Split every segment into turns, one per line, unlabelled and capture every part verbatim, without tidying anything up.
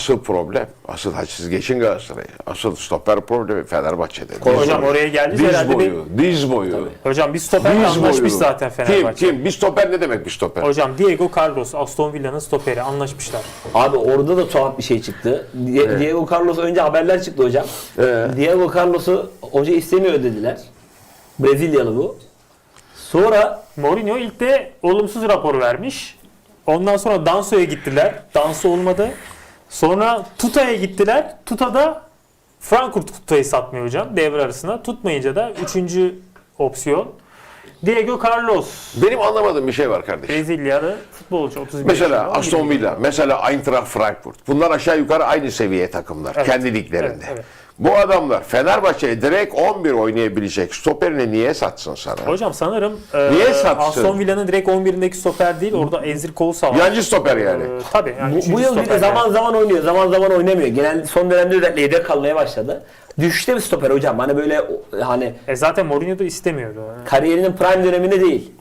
Asıl problem, asıl siz geçin Galatasaray'ı. Asıl stoper problemi Fenerbahçe'de. Diz
Hocam
boyu.
oraya geldi
Diz
herhalde
boyu,
bir...
diz boyu.
Hocam bir stoperle
Diz
anlaşmış
boyu.
zaten Fenerbahçe.
Kim? Kim? Bir stoper ne demek bir stoper?
Hocam Diego Carlos, Aston Villa'nın stoperi, anlaşmışlar.
Abi orada da tuhaf bir şey çıktı. Di-
Evet.
Diego Carlos önce haberler çıktı hocam.
Evet.
Diego Carlos'u hoca istemiyor dediler. Brezilyalı bu. Sonra
Mourinho ilk de olumsuz rapor vermiş. Ondan sonra Danso'ya gittiler. Danso olmadı. Sonra Tuta'ya gittiler. Tuta'da Frankfurt Tuta'yı satmıyor hocam devre arasında. Tutmayınca da üçüncü opsiyon Diego Carlos.
Benim anlamadığım bir şey var kardeşim.
Brezilyalı futbolcu otuz bir
Mesela
yaşında,
Aston
on bir
Villa, mesela Eintracht Frankfurt. Bunlar aşağı yukarı aynı seviye takımlar.
Evet.
Kendi liglerinde.
Evet, evet.
Bu adamlar Fenerbahçe'ye direkt on bir oynayabilecek stoperini niye satsın sana?
Hocam sanırım e,
Niye satsın?
Aston Villa'nın direkt on birindeki stoper değil. Orada Ezri Konsa var.
Yancı stoper yani.
E, tabii. Yani
bu,
üçüncü
bu yıl bir de
stoper
zaman
yani.
zaman oynuyor, zaman zaman oynamıyor. Genel son dönemde özellikle yedek kalmaya başladı. Düşüşte bir stoper hocam. Hani böyle hani
E zaten Mourinho da istemiyordu.
kariyerinin prime döneminde değil.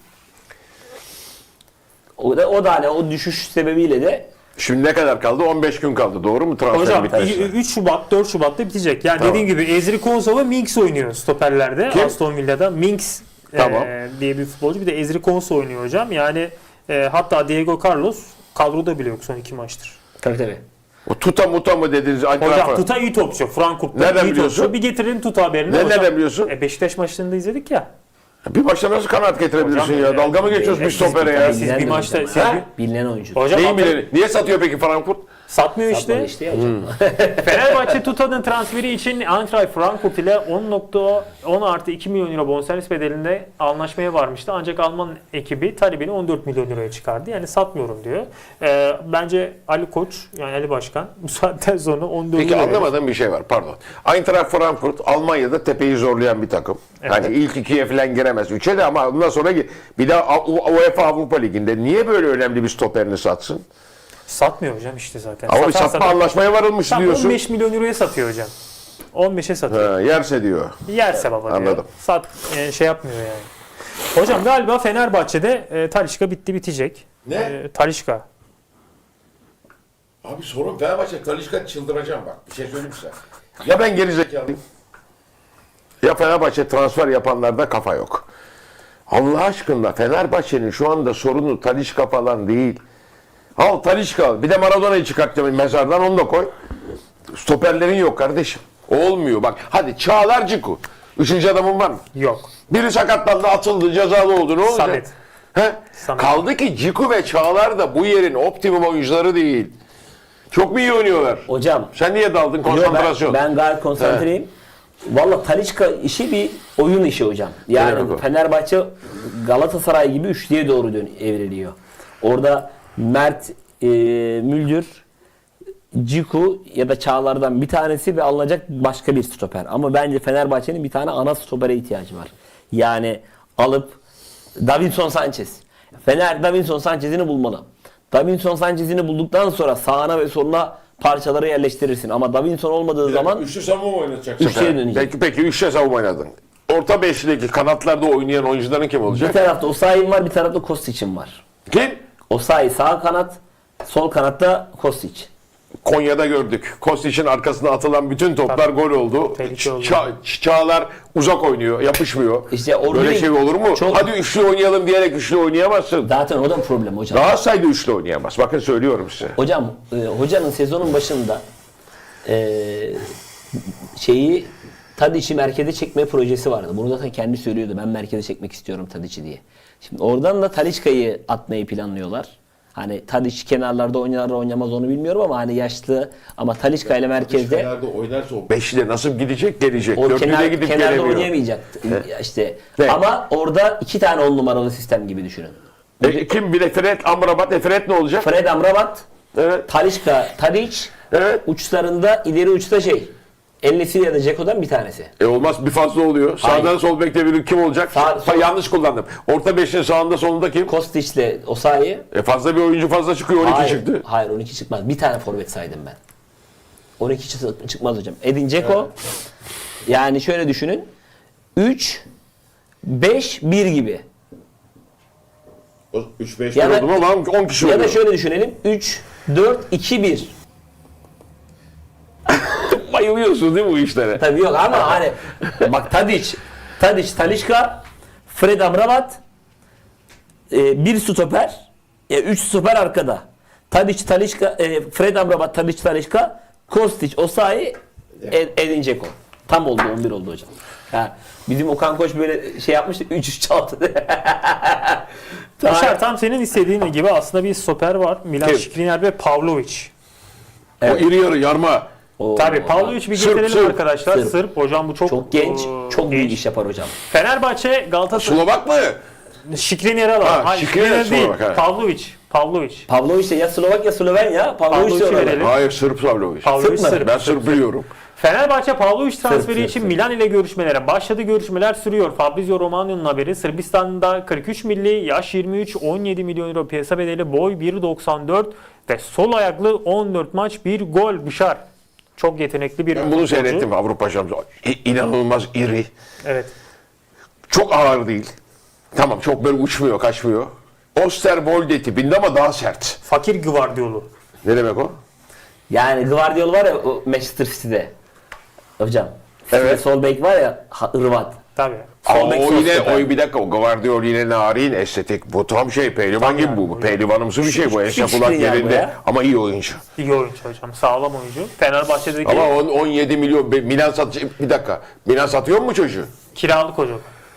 O da o da hani o düşüş sebebiyle de
Şimdi ne kadar kaldı? on beş gün kaldı. Doğru mu transfer
Hocam
bitmesi?
üç Şubat, dört Şubat'ta bitecek. Yani
Tamam.
dediğim gibi Ezri Konsa ve Minks oynuyor stoperlerde.
Kim?
Aston Villa'da Minks
Tamam.
e, diye bir futbolcu. Bir de Ezri Konsa oynuyor hocam. Yani e, hatta Diego Carlos kadroda bile yok son iki maçtır.
tabii tabii.
O tuta muta mı dediniz?
Hocam Tuta iyi topçu. Frankfurt'ta
Nereden
iyi
biliyorsun?
topçu. Bir getirelim Tuta haberini.
Ne-
Hocam,
nereden biliyorsun?
E, Beşiktaş maçlarında izledik ya.
Bir maçta nasıl kanaat getirebilirsin
Hocam,
ya?
e,
Dalga mı geçiyorsun
e,
bir
siz-
stopere ya?
siz-
Bilinen
bir
de
maçta-
hocam.
siz
Ha?
bir-
Bilinen oyuncu.
Hocam
Neyin
hatta-
bileni? Niye satıyor peki Frankfurt?
satmıyor
Satmadı
işte.
işte ya hocam.
Fenerbahçe Tuta'nın transferi için Eintracht Frankfurt ile on nokta on artı iki milyon euro bonservis bedelinde anlaşmaya varmıştı. Ancak Alman ekibi talebini on dört milyon euroya çıkardı. Yani satmıyorum diyor. Ee, bence Ali Koç, yani Ali Başkan bu saatten sonra on dört
Peki
euro-
anlamadığım bir şey var. Pardon. Eintracht Frankfurt Almanya'da tepeyi zorlayan bir takım.
Evet.
Hani ilk ikiye falan giremez. Üçe de ama ondan sonra gi- bir daha UEFA Avrupa Ligi'nde niye böyle önemli bir stoperini satsın?
Satmıyor hocam işte zaten.
Ama bir
Satan
satma
satan-
anlaşmaya varılmış
Tam
diyorsun.
on beş milyon euroya satıyor hocam. on beşe satıyor.
Ha, yerse diyor.
Yerse baba diyor.
Anladım.
Sat, e, şey yapmıyor yani. Hocam galiba Fenerbahçe'de e, Talisca bitti bitecek.
Ne?
E, Talisca.
Abi sorun Fenerbahçe Talisca çıldıracağım bak. Bir şey söyleyeyim size. Ya ben geri zekalıyım. Ya Fenerbahçe transfer yapanlarda kafa yok. Allah aşkına Fenerbahçe'nin şu anda sorunu Talisca falan değil. Al Talisca al. Bir de Maradona'yı çıkartacağım mezardan onu da koy. Stoperlerin yok kardeşim. Olmuyor bak. Hadi Çağlar Ciku. Üçüncü adamın var mı?
Yok.
Biri sakatlandı, atıldı, cezalı oldu. Ne olacak?
Samet.
He?
Samet.
Kaldı ki Ciku ve Çağlar da bu yerin optimum oyuncuları değil. Çok mu iyi oynuyorlar?
Hocam
Sen niye daldın
yo,
konsantrasyon?
ben, ben gayet konsantreyim. Valla Talisca işi bir oyun işi hocam. Yani
Evet, evet.
Fenerbahçe Galatasaray gibi üçlüye doğru dön evriliyor. Orada Mert e, Müldür, Ciku ya da Çağlar'dan bir tanesi ve alınacak başka bir stoper. Ama bence Fenerbahçe'nin bir tane ana stopere ihtiyacı var. Yani alıp Davinson Sanchez. Fener Davinson Sanchez'ini bulmalı. Davinson Sanchez'ini bulduktan sonra sağına ve soluna parçaları yerleştirirsin. Ama Davinson olmadığı zaman
Üçlü savunma mı oynatacaksın?
üçlüye dönecek.
Peki, peki üçlü savunma oynadın. Orta beşlideki kanatlarda oynayan oyuncuların kim
Bir
olacak?
tarafta Osayi'm var, bir tarafta Kostic'im var.
Kim?
Osayi sağ kanat, sol kanatta Kostic.
Konya'da gördük. Kostic'in arkasına atılan bütün toplar
Tabii.
gol oldu.
Tehlike oldu.
Ça- Çağlar uzak oynuyor, yapışmıyor.
İşte orada
Böyle
bir-
şey olur mu?
çok-
Hadi üçlü oynayalım diyerek üçlü oynayamazsın.
Zaten o da problem hocam.
Galatasaray'da üçlü oynayamaz. Bakın söylüyorum size.
Hocam, e, hocanın sezonun başında e, şeyi Tadic'i merkeze çekme projesi vardı. Bunu zaten kendi söylüyordu. Ben merkeze çekmek istiyorum Tadic'i diye. Şimdi oradan da Talisca'yı atmayı planlıyorlar. Hani Tadic kenarlarda oynar oynamaz onu bilmiyorum ama hani yaşlı ama Talisca ile merkezde
Kenarda oynarsa o beşli nasıl gidecek? Gelecek.
o
Dörtlüde
kenar,
gidip
kenarda
gelemiyor.
oynayamayacak işte.
Evet.
Ama orada iki tane on numaralı sistem gibi düşünün.
E, kim bile Fred, Amrabat, e, Fred ne olacak?
Fred Amrabat,
Evet.
Talisca, Tadic,
Evet.
uçlarında ileri uçta şey. El-Nesiri ya da Ceko'dan bir tanesi.
E olmaz bir fazla oluyor.
Hayır.
Sağdan sol bekte biri kim olacak?
Sağ-
Ha, yanlış kullandım. Orta beşin sağında solunda kim?
Kostic'le Osayi.
E fazla bir oyuncu fazla çıkıyor. on iki
Hayır,
çıktı.
hayır on iki çıkmaz. Bir tane forvet saydım ben. on iki çı- çıkmaz hocam. Edin Dzeko. Yani şöyle düşünün. üç beş bir gibi.
üç beş
Ya da-
oldu mu lan on kişi
Ya
oluyor.
da şöyle düşünelim. üç dört iki bir.
Bayılıyorsun değil mi bu işlere?
Tabii yok ama hani bak Tadic, Tadic, Talisca, Fred Amrabat, e, bir stoper, e, üç stoper arkada. Tadic, Talisca, e, Fred Amrabat, Tadic, Talisca, Kostic, Osayi, Ed- Edin Dzeko. Tam oldu, on bir oldu hocam. Ha, bizim Okan Koç böyle şey yapmıştı, üç üç çaldı.
Yaşar, tam senin istediğin gibi aslında bir stoper var. Milan
Kim?
Skriniar ve Pavlovic.
O iri yarı yarma.
Oo,
Tabii Pavlovic bir
Sırp,
getirelim
Sırp.
arkadaşlar.
Sırp.
Sırp. Hocam bu çok
çok genç,
eee,
çok büyük
genç.
iş yapar hocam.
Fenerbahçe Galatasaray
Slovak mı?
Skriniar'a alalım.
Ha,
Hayır,
Skriniar
Skriniar değil.
Slovak, ha.
Pavlovic. Pavlovic.
Pavlovic de ya Slovak ya Sloven ya. Pavlovic
Pavlovic'i
diyorlar.
verelim.
Hayır, Sırp Pavlovic.
Pavlovic
Sırp mı?
Sırp.
Ben Sırp biliyorum.
Fenerbahçe Pavlovic transferi
Sırp,
için
Sırp.
Milan ile görüşmelere başladı. Görüşmeler sürüyor. Fabrizio Romano'nun haberi. Sırbistan'da kırk üç milli, yaş yirmi üç, on yedi milyon euro piyasa bedeli, boy bir doksan dört ve sol ayaklı, on dört maç bir gol. Bışar. Çok yetenekli bir
Ben bunu
futbolcu.
seyrettim Avrupa Şampiyonu. İ- İnanılmaz iri.
Evet.
Çok ağır değil. Tamam, çok böyle uçmuyor, kaçmıyor. Osterwolde tipinde ama daha sert.
Fakir Gvardiolu.
Ne demek o?
Yani Guardiola var ya o Manchester City'de. Hocam.
Evet.
Evet. Sol bek var ya ha- Hırvat.
Tabii.
Ama
Sol bek,
o
sol
yine,
stoper.
o bir dakika, o Guardiola yine narin, estetik. Bu tam şey, pehlivan gibi bu. bu. Pehlivanımsı bir şey bu. Ense
hiç
kulak
değil ya bu
yerinde.
ya.
Ama iyi oyuncu.
İyi oyuncu hocam. Sağlam oyuncu. Fenerbahçe'deki
Ama on, on yedi milyon, be- Milan satacak. Bir dakika. Milan satıyor mu çocuğu?
kiralık hocam.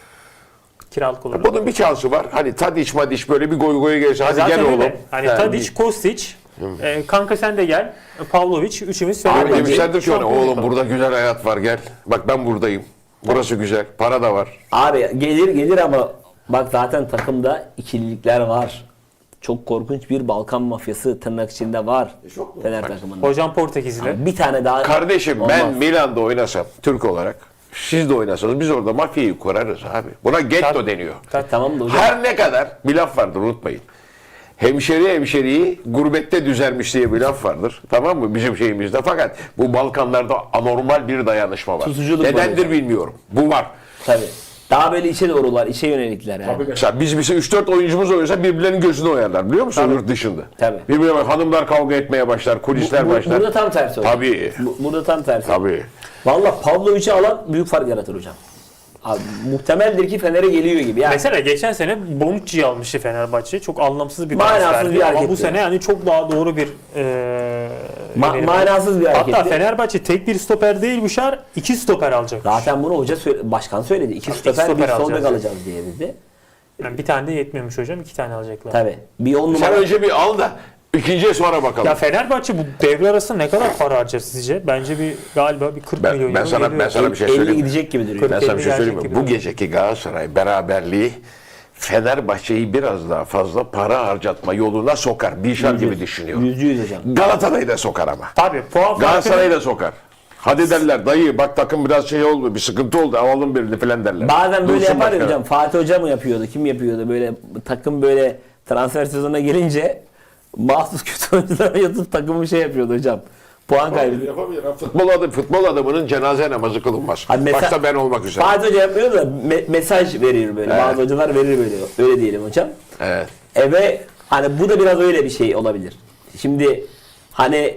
Kiralık olur.
Bunun bir şansı var. Hani Tadic Madic böyle bir goy goya gelse. Hadi
Zaten
gel
öyle.
oğlum.
Hani
Yani
Tadic, Kostic, e, kanka sen de gel. Pavlovic, üçümüz
Abi
Fenerbahçe
demişlerdir ki ona,
şampiyonluk
oğlum
alalım.
burada güzel hayat var, gel. Bak ben buradayım. Burası güzel. Para da var.
Abi gelir gelir ama bak zaten takımda ikililikler var. Çok korkunç bir Balkan mafyası tırnak içinde var. Fener takımında.
Hocam Portekizli.
Bir tane daha
Kardeşim
olmaz.
ben Milan'da oynasam Türk olarak, siz de oynasanız biz orada mafyayı kurarız abi. Buna getto
Tabii.
deniyor.
E, tamam da hocam.
Her ne kadar bir laf vardır, unutmayın. Hemşeri hemşeriyi gurbette düzermiş diye bir laf vardır. Tamam mı? Bizim şeyimizde. Fakat bu Balkanlarda anormal bir dayanışma var.
Tutuculuk var
Nedendir
hocam.
bilmiyorum. Bu var.
Tabii. Daha böyle içe doğrular, içe yönelikler yani.
Mesela biz bize üç dört oyuncumuz oynuyorsa birbirlerinin gözünü oyarlar, biliyor musun? Yurt dışında.
Tabii.
Birbirine bak, hanımlar kavga etmeye başlar, kulisler
Bu- bu-
başlar.
burada tam tersi hocam.
Tabii.
Bu- burada tam tersi.
Tabii.
Valla Pavlovic'i alan büyük fark yaratır hocam. Abi, muhtemeldir ki Fener'e geliyor gibi. Yani
Mesela geçen sene Bonucci'yi almıştı Fenerbahçe. Çok anlamsız bir
Manasız
transferdi.
bir
Ama bu
hareketti.
sene yani çok daha doğru bir e,
Ma-
öneri.
manasız bir hareketti.
Hatta Fenerbahçe tek bir stoper değil Büşar, iki stoper alacak.
zaten bunu hoca söyle- başkan söyledi. İki stoper,
stoper
bir sol bek
alacağız.
alacağız diye dedi.
Yani bir tane de yetmiyormuş hocam, iki tane alacaklar.
Tabii. Bir on
Sen
numara.
önce bir al da ikinciye sonra bakalım.
Ya Fenerbahçe bu devre arası ne kadar para harcar sizce? Bence bir galiba bir kırk
Ben-
milyon
ben
euro
sana-
geliyor.
ben sana bir şey
elli
söyleyeyim mi?
gidecek gibi duruyor.
Ben sana bir şey
Gelecek
söyleyeyim mi?
gibi
Bu
duruyor.
geceki Galatasaray beraberliği Fenerbahçe'yi biraz daha fazla para harcatma yoluna sokar. Dişar gibi düşünüyorum.
Yüzde yüz hocam.
Galatasaray'ı da sokar ama.
Tabii puan
Galatasaray'ı
farkı
da sokar. Hadi derler dayı bak takım biraz şey oldu, bir sıkıntı oldu, alalım birini falan derler.
Bazen böyle
Dursun
yapar ya
başkanım.
hocam. Fatih Hoca mı yapıyordu? Kim yapıyordu? Böyle takım böyle transfer sezonuna gelince mahsus kötü oyunculara yatıp takımı şey yapıyordu hocam. Puan kaybı.
Yapabilir. Futbol, adı, futbol adamının cenaze namazı kılınmaz.
Hadi mesela-
Başta ben olmak üzere.
Fatih Hoca yapmıyor da me- mesaj verir böyle.
Evet.
Bazı hocalar verir böyle. Öyle diyelim hocam.
Evet.
E ve hani bu da biraz öyle bir şey olabilir. Şimdi hani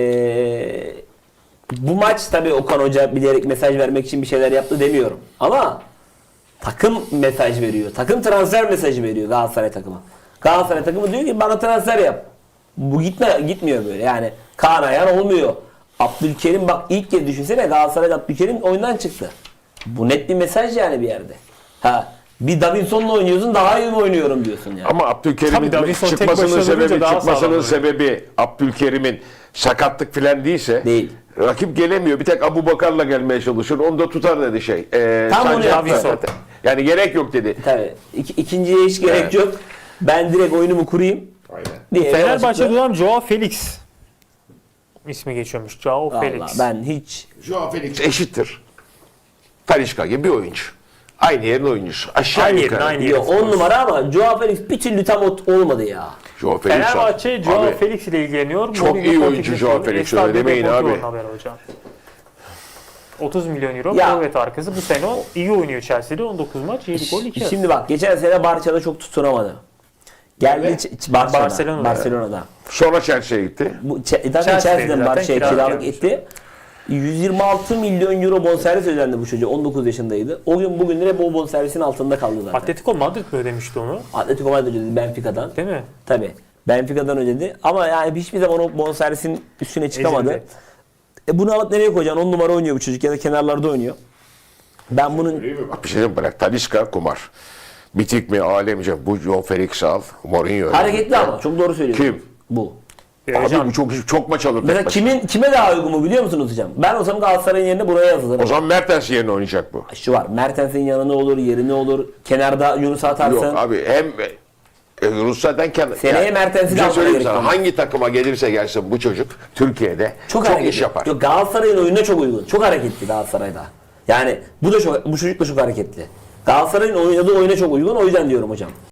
eee, bu maç tabii Okan Hoca bilerek mesaj vermek için bir şeyler yaptı demiyorum. Ama takım mesaj veriyor. Takım transfer mesajı veriyor Galatasaray takımı. Galatasaray takımı diyor ki bana transfer yap. Bu gitme gitmiyor böyle. Yani Kaan Ayhan olmuyor. Abdülkerim bak ilk kez düşünsene Galatasaray'da Abdülkerim oyundan çıktı. Bu net bir mesaj yani bir yerde. Ha bir Davinson'la oynuyorsun daha iyi mi oynuyorum diyorsun yani.
Ama Abdülkerim'in
Tabii Davinson tek
çıkmasının
başına
sebebi
durunca daha
çıkmasının
sağlam oluyor.
sebebi Abdülkerim'in sakatlık falan değilse
Değil.
rakip gelemiyor. Bir tek Abu Bakar'la gelmeye çalışır. Onu da tutar dedi şey. Ee,
Tam onu
Sancak
yaptı.
da- Yani gerek yok dedi.
Tabii. İki, ikinciye hiç gerek
Evet.
yok. Ben direkt oyunumu kurayım
Aynen.
diye.
Fenerbahçe'de
yola
olan Joao Felix ismi geçiyormuş. Joao
çıktı.
Felix.
Vallahi ben hiç
Joao Felix eşittir. Talisca gibi bir oyuncu. Aynı yerin oyuncusu. Aşağı
Aynı
yukarı.
yerin, aynı
Yok, on numara ama Joao Felix bir türlü tam ot- olmadı ya.
Joao Felix
Fenerbahçe
abi.
Joao
Abi,
Felix ile ilgileniyor.
Çok
Mourinho
iyi oyuncu
Portekiz'de
Joao Felix,
Estadio
öyle demeyin
Deportivo'nun
abi.
haberi hocam. otuz milyon euro
Ya.
forvet arkası. Bu sene o iyi oynuyor Chelsea'de. on dokuz maç, yedi gol, iki asist.
Şimdi bak geçen sene Barça'da çok tutunamadı. Geldi
Evet.
Ç- Ç- Barça'da,
Barcelona'da.
Barcelona'da.
Sonra Chelsea'ye gitti.
Bu Ç- zaten
Chelsea'deydi
Chelsea'den
zaten,
Barça'ya
kiralık
kiralık
gelmiş.
etti. yüz yirmi altı milyon euro bonservis ödendi bu çocuğa. on dokuz yaşındaydı. O gün bugündür hep o bonservisin altında kaldı zaten.
Atletico Madrid mi ödemişti onu?
Atletico Madrid ödedi Benfica'dan.
Değil mi?
Tabii. Benfica'dan ödedi. Ama yani hiçbir zaman o bonservisin üstüne çıkamadı.
Ezildi.
E bunu alıp nereye koyacaksın? on numara oynuyor bu çocuk ya da kenarlarda oynuyor. Ben bunun
Bak bir şey diyeyim mi? Bırak. Talisca kumar. Bitik mi alemce? Bu Joe Felix al. Mourinho.
hareketli ama çok doğru söylüyorsun.
Kim?
Bu.
E,
Abi
hocam,
bu çok çok maç alır.
Mesela
tek başına.
kimin kime daha uygun mu biliyor musunuz hocam? Ben olsam Galatasaray'ın yerine buraya yazılırım.
O zaman Mertens yerine oynayacak bu.
Şu var. Mertens'in yanına olur, yerine olur. Kenarda Yunus atarsın.
Yok abi hem e, Rusya'dan kendi...
Seneye Mertens'i
bir
de
şey
almaya
söyleyeyim
gerek
sana.
yok.
Hangi takıma gelirse gelsin bu çocuk Türkiye'de çok,
hareketli.
iş yapar.
Yok, Galatasaray'ın oyununa çok uygun. Çok hareketli Galatasaray'da. Yani bu da çok, bu çocuk da çok hareketli. Galatasaray'ın oynadığı oyuna çok uygun. O yüzden diyorum hocam.